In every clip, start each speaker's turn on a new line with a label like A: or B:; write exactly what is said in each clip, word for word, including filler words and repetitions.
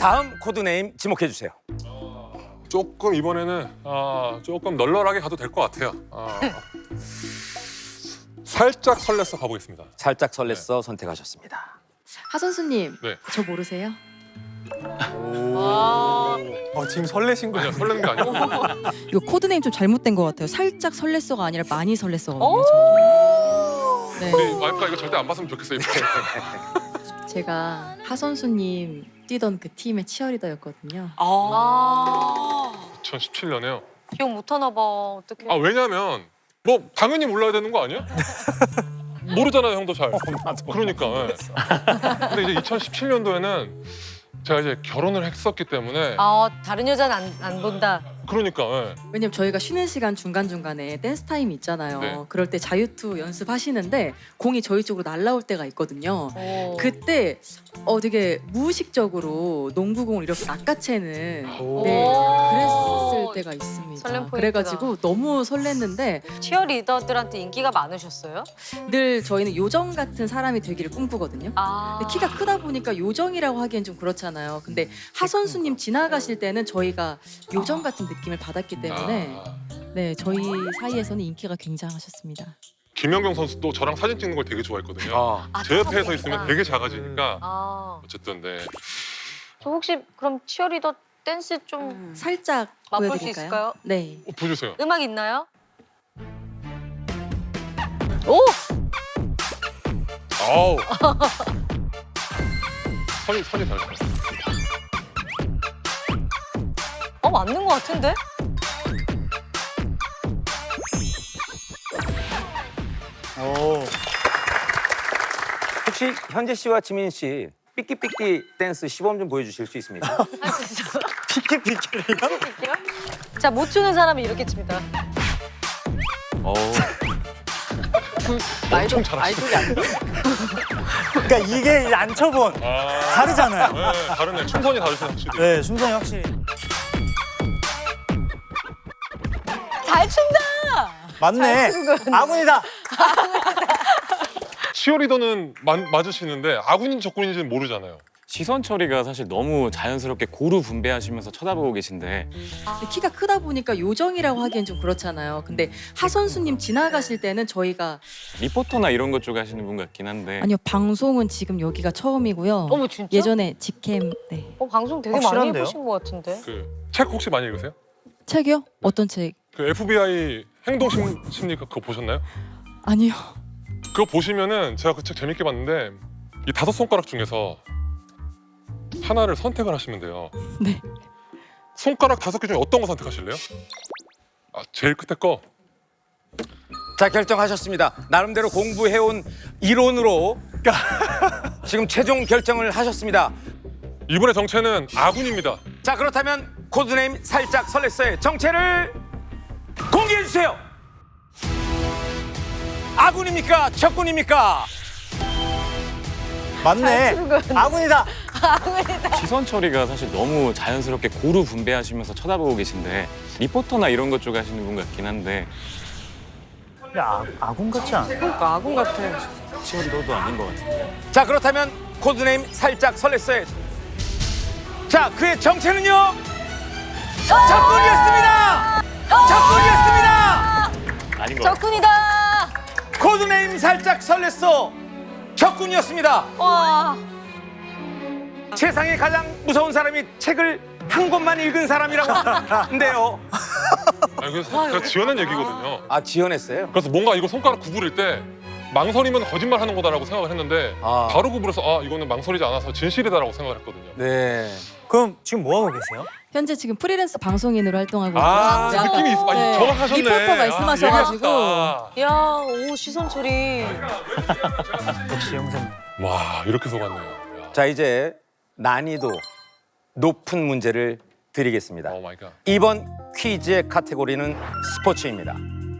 A: 다음 코드네임 지목해 주세요.
B: 조금 이번에는 아, 조금 널널하게 가도 될 것 같아요. 아, 살짝 설렜어 가보겠습니다.
A: 살짝 설렜어 선택하셨습니다.
C: 하 선수님,
B: 네.
C: 저 모르세요?
D: 어, 지금 설레신
B: 아니요,
D: 거예요?
B: 설레는 게 아니고.
E: 이거 코드네임 좀 잘못된 것 같아요. 살짝 설렜어가 아니라 많이 설렜어거든요. 네.
B: 우리 와이프가 이거 절대 안 봤으면 좋겠어요. 이렇게.
C: 제가 하 선수님 뛰던 그 팀의 치어리더였거든요.
F: 아,
B: 이천십칠 년에요.
F: 기억 못하나 봐. 어떡해.
B: 아 왜냐면 뭐 당연히 몰라야 되는 거 아니야? 모르잖아요, 형도 잘. 그러니까. 예. 근데 이제 이천십칠 년도에는 제가 이제 결혼을 했었기 때문에
F: 아, 다른 여자는 안, 안 본다.
B: 그러니까. 예.
C: 왜냐면 저희가 쉬는 시간 중간중간에 댄스 타임이 있잖아요.
B: 네.
C: 그럴 때 자유투 연습하시는데 공이 저희 쪽으로 날라올 때가 있거든요.
F: 오.
C: 그때 어 되게 무의식적으로 농구공을 이렇게 낚아채는
D: 오.
C: 네,
F: 오.
C: 그랬을 때가 있습니다.
F: 설렘 포인트다.
C: 그래가지고 너무 설렜는데
F: 치어리더들한테 인기가 많으셨어요?
C: 늘 저희는 요정 같은 사람이 되기를 꿈꾸거든요.
F: 아.
C: 근데 키가 크다 보니까 요정이라고 하기엔 좀 그렇잖아요. 근데 하 선수님 지나가실 때는 저희가 요정 같은 느낌을 받았기 때문에
B: 아,
C: 네 저희 사이에서는 인기가 굉장하셨습니다.
B: 김연경 선수도 저랑 사진 찍는 걸 되게 좋아했거든요.
A: 어.
F: 아,
B: 제 옆에 서
F: 작아
B: 있으면
F: 보이니까.
B: 되게 작아지니까
F: 아.
B: 어쨌든 네.
F: 저 혹시 그럼 치어리더 댄스 좀
C: 살짝
F: 맛볼 수
C: 보여드릴까요?
F: 있을까요?
C: 네.
B: 어, 보여주세요.
F: 음악 있나요? 오!
B: 아우. 선이 선이 달라.
F: 어, 맞는 것 같은데?
D: 오.
A: 혹시 현재 씨와 지민 씨 삐끼삐끼 댄스 시범 좀 보여주실 수 있습니까?
F: 아, 진짜.
D: 피키피키를요?
F: 자, 못 추는 사람이 이렇게 칩니다.
A: 어.
B: 엄청 잘하시네.
D: 그러니까 이게 안 쳐본
B: 아,
D: 다르잖아요.
B: 네, 다르네. 춤선이 다르시네 확실히.
D: 네, 순선이 확실히.
F: 잘 춘다!
D: 맞네. 아군이다.
B: 치어리더는 마, 맞으시는데 아군인지 적군인지는 모르잖아요.
G: 시선 처리가 사실 너무 자연스럽게 고루 분배하시면서 쳐다보고 계신데
C: 근데 키가 크다 보니까 요정이라고 하기엔 좀 그렇잖아요. 근데 하 선수님 지나가실 때는 저희가
G: 리포터나 이런 것 쪽 하시는 분 같긴 한데
E: 아니요, 방송은 지금 여기가 처음이고요.
F: 어머, 진짜?
E: 예전에 직캠 네.
F: 어, 방송 되게 많이
D: 확실한데요?
F: 해보신 것 같은데?
B: 그 책 혹시 많이 읽으세요?
E: 책이요? 어떤 책?
B: 그 에프비아이 행동 심, 심리 그거 보셨나요?
E: 아니요.
B: 그거 보시면은 제가 그 책 재밌게 봤는데 이 다섯 손가락 중에서 하나를 선택을 하시면 돼요.
E: 네.
B: 손가락 다섯 개 중에 어떤 거 선택하실래요? 아, 제일 끝에 거.
A: 자, 결정하셨습니다. 나름대로 공부해온 이론으로 지금 최종 결정을 하셨습니다.
B: 이번의 정체는 아군입니다.
A: 자, 그렇다면 코드네임 살짝 설렜어의 정체를 공개해 주세요. 아군입니까? 적군입니까?
D: 맞네. 아군이다.
G: 시선 처리가 사실 너무 자연스럽게 고루 분배하시면서 쳐다보고 계신데 리포터나 이런 것 쪽 하시는 분 같긴 한데
D: 근데 아, 아군 같지 않아?
F: 그러니까 아군 같아.
G: 치어리더도 아닌 것 같은데
A: 자, 그렇다면 코드네임 살짝 설렜어의 자, 그의 정체는요? 적군이었습니다. 적군이었습니다.
G: 아닌 것 같아요.
F: 적군이다!
A: 코드네임 살짝 설렜어. 적군이었습니다.
F: 와.
A: 세상에 가장 무서운 사람이 책을 한 권만 읽은 사람이라고 하는데요.
B: 아, 이거 사- 제가 지어낸 얘기거든요.
A: 아, 지어냈어요?
B: 그래서 뭔가 이거 손가락 구부릴 때 망설이면 거짓말 하는 거다라고 생각을 했는데
A: 아.
B: 바로 구부려서 아 이거는 망설이지 않아서 진실이다라고 생각을 했거든요.
A: 네.
D: 그럼 지금 뭐 하고 계세요?
C: 현재 지금 프리랜서 방송인으로 활동하고
B: 아,
C: 있고요.
B: 느낌이 있어. 아니,
C: 네.
B: 정확하셨네.
C: 리포터 말씀하셔가지고
B: 아,
F: 야, 오, 시선 처리.
D: 역시 형사님.
B: 와, 이렇게 속았네요. 야.
A: 자, 이제 난이도 높은 문제를 드리겠습니다.
B: 오 마이 갓.
A: 이번 퀴즈의 카테고리는 스포츠입니다.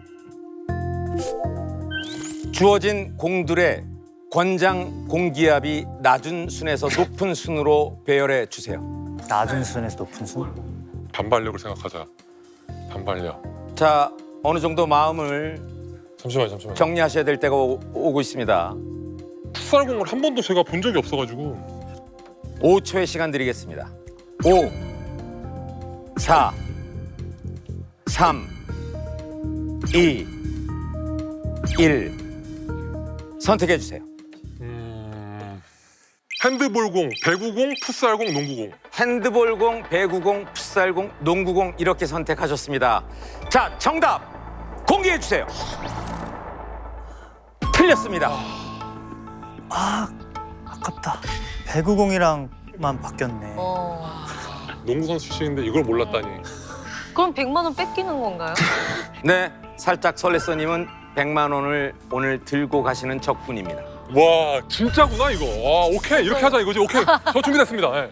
A: 주어진 공들의 권장 공기압이 낮은 순에서 높은 순으로 배열해 주세요.
D: 낮은 순에서 높은 순.
B: 단발력을 생각하자. 단발력.
A: 자, 어느 정도 마음을
B: 잠시만요, 잠시만요.
A: 정리하셔야 될 때가 오, 오고 있습니다.
B: 풋살공을 한 번도 제가 본 적이 없어가지고
A: 오 초의 시간 드리겠습니다. 오, 사, 삼, 이, 일. 선택해 주세요.
B: 음... 핸드볼공, 배구공, 풋살공, 농구공.
A: 핸드볼공, 배구공, 풋살공, 농구공 이렇게 선택하셨습니다. 자, 정답 공개해 주세요. 틀렸습니다.
D: 아, 아깝다. 배구공이랑만 바뀌었네.
F: 어.
B: 농구 선수 출신인데 이걸 몰랐다니.
F: 그럼 백만 원 뺏기는 건가요?
A: 네, 살짝 설레서님은 백만 원을 오늘 들고 가시는 적군입니다.
B: 와 진짜구나 이거. 와 오케이 이렇게 하자 이거지. 오케이 저 준비됐습니다. 예.